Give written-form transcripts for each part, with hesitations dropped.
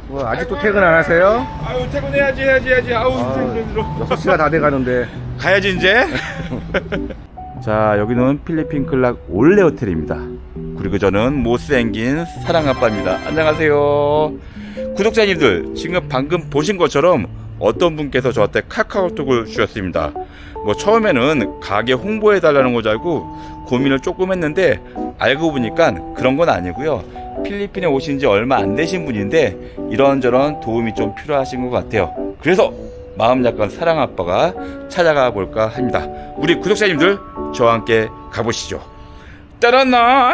뭐 아직도 퇴근 안 하세요? 아유 퇴근해야지. 아우 힘들어. 6시가 다 돼가는데. 가야지 이제. 자, 여기는 필리핀 클락 올레 호텔입니다. 그리고 저는 못생긴 사랑아빠입니다. 안녕하세요. 구독자님들, 지금 방금 보신 것처럼 어떤 분께서 저한테 카카오톡을 주셨습니다. 뭐 처음에는 가게 홍보해달라는 거 줄 알고 고민을 조금 했는데 알고 보니까 그런 건 아니고요. 필리핀에 오신 지 얼마 안 되신 분인데 이런저런 도움이 좀 필요하신 것 같아요. 그래서 마음 약간 사랑아빠가 찾아가 볼까 합니다. 우리 구독자님들 저와 함께 가보시죠. 따라나.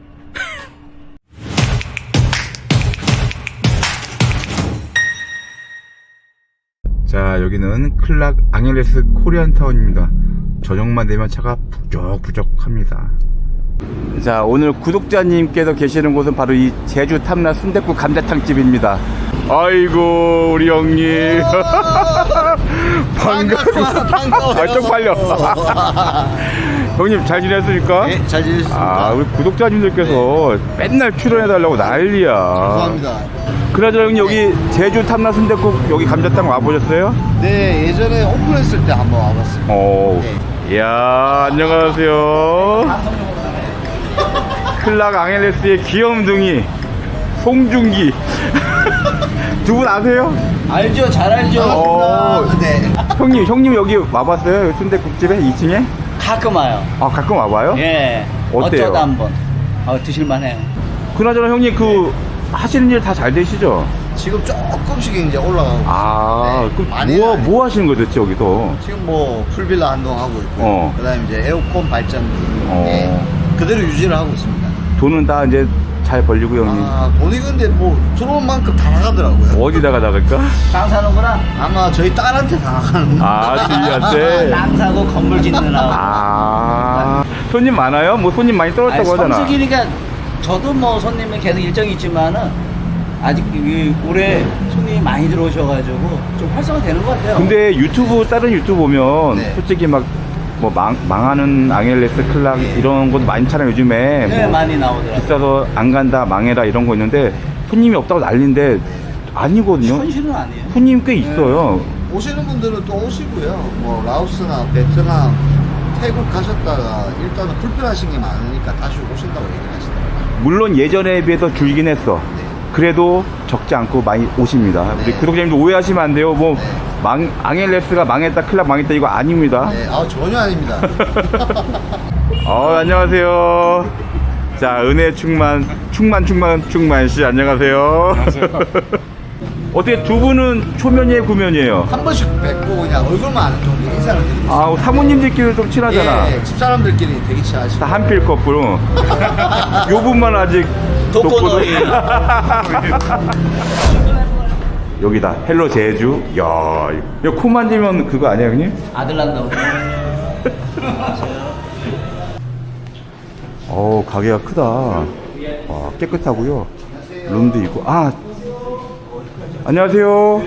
자, 여기는 클락 앙헬레스 코리안타운입니다. 저녁만 되면 차가 부적부적합니다. 자, 오늘 구독자님께서 계시는 곳은 바로 이 제주 탐라 순댓국 감자탕집입니다. 아이고 우리 형님. 반가워. 아, 쪽팔려. 형님 잘 지냈습니까? 네, 잘 지냈습니다. 아, 우리 구독자님들께서 맨날 출연해달라고 난리야. 감사합니다. 그나저나 형님 여기 제주 탐라 순댓국 여기 감자탕 와보셨어요? 네, 예전에 오픈했을 때 한번 와봤습니다. 오, 이야, 안녕하세요. 클락 앙헬레스의 귀염둥이 송중기. 두 분 아세요? 알죠, 잘 알죠. 네. 형님 여기 와봤어요? 순댓국집에 2층에? 가끔 와요. 아, 가끔 와봐요? 예. 어때요? 어쩌다 한번. 드실만해요. 그나저나 형님 하시는 일 다 잘 되시죠? 지금 조금씩 이제 올라가고 아, 네, 그럼 많이는 뭐 하시는 거죠, 대체 여기서? 지금 뭐 풀빌라 한동 하고 있고 그다음에 이제 에어컨 발전 그대로 유지를 하고 있습니다. 돈은 다 이제 잘 벌리고 형님. 아, 돈이 근데 뭐 들어온 만큼 다 나가더라고요. 어디다가 나갈까? 땅 사는구나. 아마 저희 딸한테 다 나가는 거. 아, 주희한테? 땅 사고 건물 짓느라고. 아, 손님 많아요? 뭐 손님 많이 떨었다고 하잖아. 성수기니까 저도 뭐 손님은 계속 일정이 있지만은 아직 올해 손님이 많이 들어오셔가지고 좀 활성화 되는 것 같아요. 근데 다른 유튜브 보면 네. 솔직히 막 뭐 망하는 앙헬레스 클락 이런 것도 많잖아요 요즘에. 네, 뭐 많이 나오더라고요. 비싸서 안 간다 망해라 이런 거 있는데 손님이 없다고 난리인데 아니거든요. 현실은 아니에요. 손님 꽤 있어요. 오시는 분들은 또 오시고요. 뭐 라오스나 베트남, 태국 가셨다가 일단은 불편하신 게 많으니까 다시 오신다고 얘기를 하시더라고요. 물론 예전에 비해서 줄긴 했어. 네. 그래도 적지 않고 많이 오십니다. 우리 구독자님도 오해하시면 안 돼요. 뭐 앙헬레스가 망했다 클락 망했다 이거 아닙니다. 네, 전혀 아닙니다. 안녕하세요. 자, 은혜 충만 씨 안녕하세요. 어떻게 두 분은 초면이에요, 구면이에요? 한 번씩 뵙고 그냥 얼굴만 아는 정도 인사를 드립니다. 아, 사모님들끼리 좀 친하잖아. 예, 집사람들끼리 되게 친하시고. 다 한필 커플. 요 분만 아직 독고노이. 여기다 헬로 제주. 야, 이거 코 만지면 그거 아니에요, 형님? 아들 난다고. 가게가 크다. 와, 깨끗하고요. 룸도 있고. 아, 안녕하세요.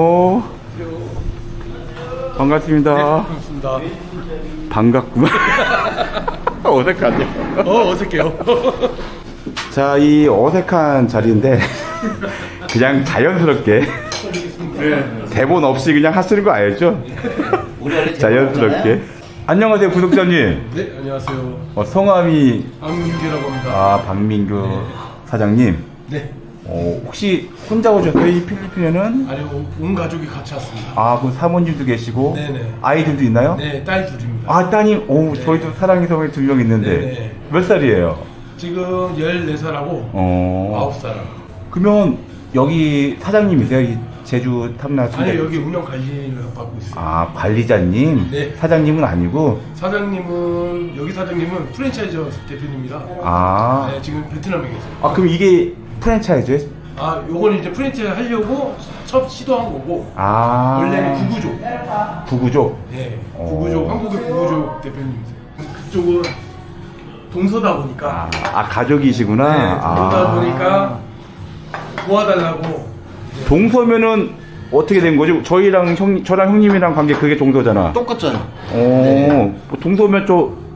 반갑습니다. 반갑습니다. 반갑구만. 어색하죠? 어색해요. 자, 이 어색한 자리인데 그냥 자연스럽게 대본 없이 그냥 하시는 거 알죠? 자연스럽게. 안녕하세요, 구독자님. 네, 안녕하세요. 성함이 안민규라고 합니다. 박민규 사장님. 네. 혹시 혼자 오셨어요? 이 필리핀에는? 아니요, 온 가족이 같이 왔습니다. 그럼 사모님도 계시고 네네. 아이들도 있나요? 네, 딸 둘입니다. 따님. 저희도 사랑의 성에 2명 있는데 네네. 몇 살이에요? 지금 14살하고 9살. 그러면 여기 사장님이세요? 이 제주 탐라 아니, 순댓. 여기 운영 관리를 받고 있어요. 관리자님? 네. 사장님은 아니고? 여기 사장님은 프랜차이즈 대표님입니다. 네, 지금 베트남에 계세요. 그럼 이게 프랜차이즈예요? 요건 이제 프랜차이즈 하려고 첫 시도한 거고, 원래는 구구조? 네, 한국의 구구족 대표님이세요. 그쪽은 동서다 보니까. 가족이시구나? 네, 동서다 보니까 도와달라고. 동서면은 어떻게 된 거죠? 저랑 형님이랑 관계 그게 동서잖아. 똑같잖아요. 동서면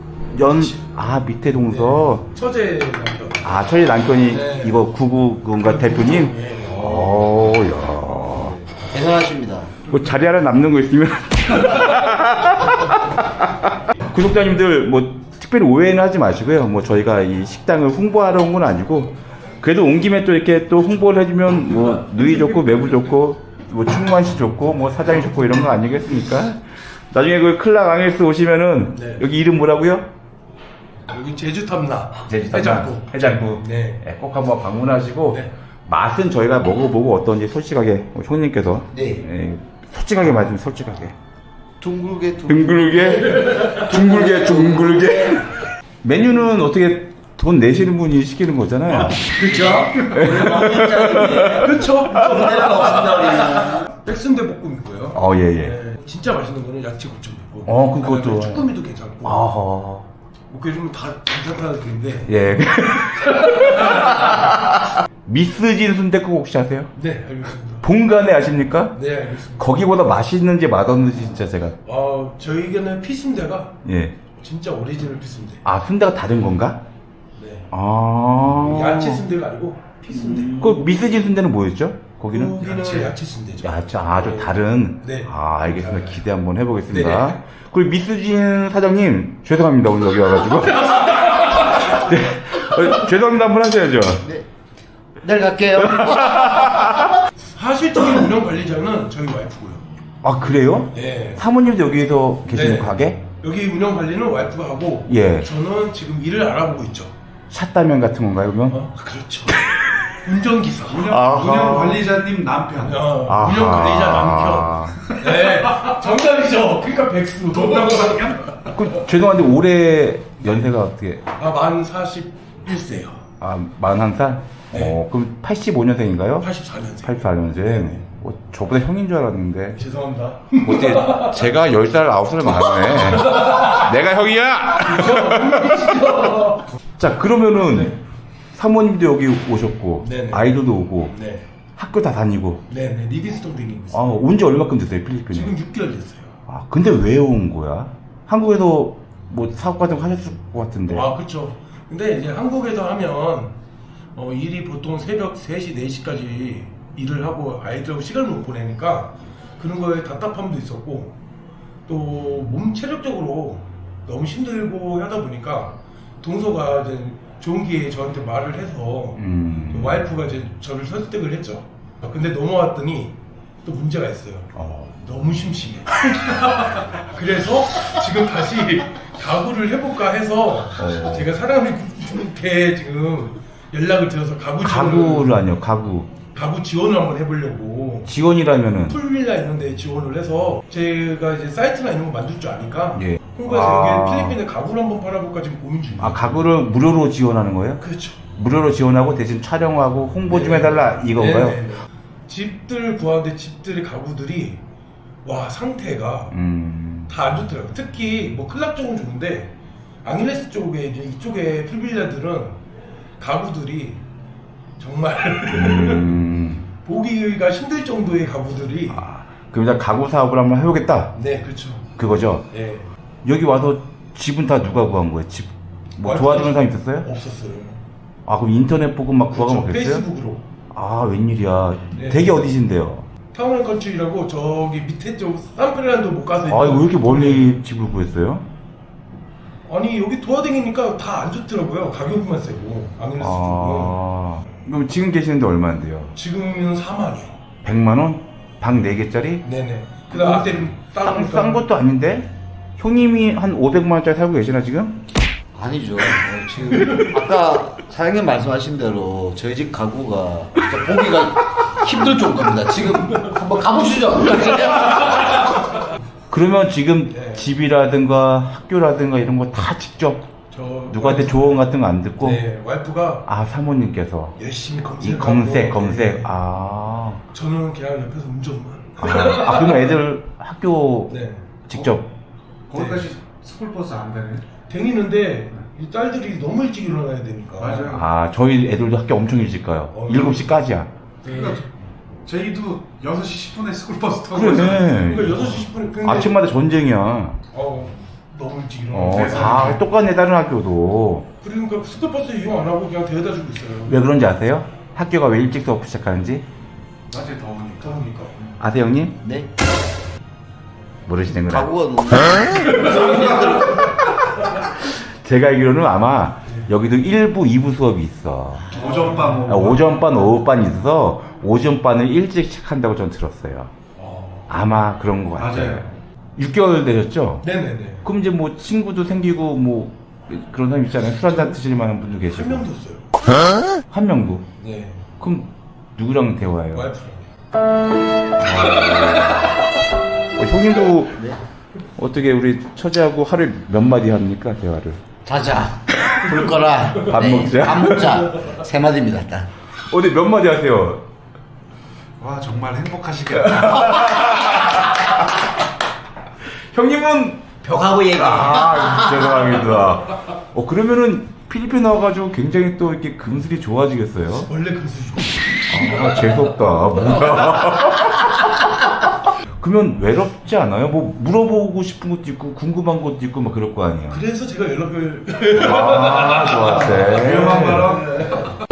밑에 동서. 처제 남편. 처제 남편이 네. 이거 구구군가 대표님? 네. 야. 대단하십니다. 뭐 자리 하나 남는 거 있으면 구독자님들 뭐 특별히 오해는 하지 마시고요. 뭐 저희가 이 식당을 홍보하러 온 건 아니고 그래도 온 김에 또 이렇게 또 홍보를 해주면 뭐 누이 좋고 매부 좋고 뭐 충무한 씨 좋고 뭐 사장이 좋고 이런 거 아니겠습니까? 나중에 그 클락 앙헬스 오시면은 네. 여기 이름 뭐라고요? 여기 제주 탐라 해장국. 해장국. 네. 네, 꼭 한번 방문하시고 네. 맛은 저희가 먹어보고 어떤지 솔직하게 형님께서 네. 솔직하게 말씀 솔직하게. 둥글게 둥글게 메뉴는 어떻게 돈 내시는 분이 시키는 거잖아요. 그렇죠? 그렇죠. 내가 없습니다 우리는. 백순대 볶음이고요. 예예. 네, 진짜 맛있는 거는 야채 고추 볶음. 그것도. 쭈꾸미도 괜찮고. 아하. 뭐 그러면 다 괜찮다는 얘기인데. 예. 미스진 순댓국 혹시 아세요? 네, 알겠습니다. 본관에 아십니까? 네, 알겠습니다. 거기보다 맛있는지 맛없는지 진짜 제가 저희에게는 피순대가 예. 진짜 오리지널 피순대. 아 순대가 다른 건가? 네. 아. 야채 순대가 아니고 피순대. 그 미스진 순대는 뭐였죠? 거기는? 거기는 야채 순대죠. 야채 아주 다른. 네. 알겠습니다. 기대 한번 해보겠습니다. 네. 그리고 미스진 사장님 죄송합니다 오늘 여기 와가지고. 네. 죄송합니다 한번 하셔야죠. 네. 내일 갈게요. 사실적인 운영 관리자는 저희 와이프고요. 아 그래요? 네. 사모님도 여기서 계시는 네. 가게? 여기 운영 관리는 와이프가 하고 예. 저는 지금 일을 알아보고 있죠. 샷다면 같은 건가요 그러면? 그렇죠. 운전기사. 아하. 운영 관리자님 남편. 아하. 운영 관리자 남편. 네. 정답이죠. 그러니까 백수. 정답은 그 죄송한데 올해 연세가 어떻게? 만 41세요. 41살? 네. 그럼 85년생인가요? 84년생. 84년생. 저보다 형인 줄 알았는데. 죄송합니다. 어때? 제가 10살, 9살 많네. 내가 형이야! 자, 그러면은 네. 사모님도 여기 오셨고, 네네. 아이들도 오고, 네. 학교 다 다니고. 네네. 리빙스톤 다니고 있어요. 온 지 얼마큼 됐어요, 필리핀에? 지금 6개월 됐어요. 근데 왜 온 거야? 한국에서 뭐 사업 같은 거 하셨을 것 같은데. 그렇죠. 근데 이제 한국에서 하면 일이 보통 새벽 3시, 4시까지 일을 하고 아이들하고 시간을 못 보내니까 그런 거에 답답함도 있었고 또 몸 체력적으로 너무 힘들고 하다 보니까 동서가 이제 좋은 기회에 저한테 말을 해서 와이프가 이제 저를 설득을 했죠. 근데 넘어왔더니 또 문제가 있어요. 너무 심심해. 그래서 지금 다시 가구를 해볼까 해서 제가 사람한테 지금 연락을 드려서 가구를 아니요, 가구. 가구 지원을 한번 해보려고. 지원이라면은? 풀빌라 있는데 지원을 해서 제가 이제 사이트나 이런 거 만들 줄 아니까 예. 홍보해서 여기 필리핀에 가구를 한번 팔아볼까 지금 고민 중이에요. 가구를 무료로 지원하는 거예요? 그렇죠. 무료로 지원하고 대신 촬영하고 홍보 좀 해달라 이건가요? 네네네. 집들 구하는데 집들의 가구들이 상태가 다 안 좋더라고요. 특히 뭐 클락 쪽은 좋은데 앙일레스 쪽에 이제 이쪽에 풀빌라들은 가구들이 정말 보기가 힘들 정도의 가구들이. 그럼 이제 가구 사업을 한번 해보겠다. 네, 그렇죠. 그거죠. 네. 여기 와서 집은 다 누가 구한 거예요? 집 뭐 도와주는 사람 있었어요? 없었어요. 그럼 인터넷 보고 막 구하고 막 그랬어요? 페이스북으로. 웬일이야. 네. 댁이 어디신데요? 타운앤컨트리라고 저기 밑에 쪽 산프레란도 못 가서. 왜 이렇게 멀리 집을 구했어요? 아니 여기 도와다니니까 다 안 좋더라고요. 가격만 세고 앙일레스 쪽은. 그럼 지금 계시는데 얼마인데요? 지금은 4만이요. 100만 원? 방 4개짜리? 네네. 그다음 앞에는 싼 것도 아닌데? 형님이 한 500만 원짜리 살고 계시나 지금? 아니죠. 지금 아까 사장님 말씀하신 대로 저희 집 가구가 진짜 보기가 힘들 정도입니다. 지금 한번 가보시죠. 그러면 지금 네. 집이라든가 학교라든가 이런 거 다 직접 누구한테 조언 같은 거 안 듣고? 네, 와이프가 사모님께서 열심히 이 검색. 검색. 저는 그냥 옆에서 운전만. 그러면 애들 학교 네. 직접. 거기까지 스쿨버스 안 되네. 다니는데 이 딸들이 너무 일찍 일어나야 되니까. 맞아요. 저희 애들도 학교 엄청 일찍 가요. 7시까지야. 그러니까 저희도 6시 10분에 스쿨버스 타고 그래. 그러니까 6시 10분에. 근데 아침마다 전쟁이야. 너무 일찍 일어나. 다 똑같네, 다른 학교도. 그러니까 스쿨버스 이용 안 하고 그냥 데려다 주고 있어요. 왜 그런지 아세요? 학교가 왜 일찍 수업 시작하는지? 낮에 더우니까. 더우니까. 아세요 형님? 네. 모르시는구나. 가구가 너무. 제가 알기로는 아마 여기도 1부, 2부 수업이 있어. 오전반 오전반, 오후반이 있어서 오전반을 일찍 시작한다고 전 들었어요. 아마 그런 것 같아요. 맞아요. 6개월 되셨죠? 네네네. 그럼 이제 뭐 친구도 생기고 뭐 그런 사람 있잖아요. 술 한잔 드실 만한 분도 계시고. 한 명도 없어요. 한 명도? 네. 그럼 누구랑 대화해요? 와이프랑. 형님도 네. 어떻게 우리 처제하고 하루에 몇 마디 합니까? 대화를. 자자. 불 꺼라. 밥 먹자. 밥 먹자. 세 마디입니다, 일단. 어디 몇 마디 하세요? 와 정말 행복하시겠다. 형님은 벽하고 얘기. 죄송합니다. 그러면은 필리핀 와가지고 굉장히 또 이렇게 금슬이 좋아지겠어요? 원래 금수저. 재수없다. 뭐야. 그러면 외롭지 않아요? 뭐 물어보고 싶은 것도 있고 궁금한 것도 있고 막 그럴 거 아니에요? 그래서 제가 연락을. 좋았어요. 위험한 발언.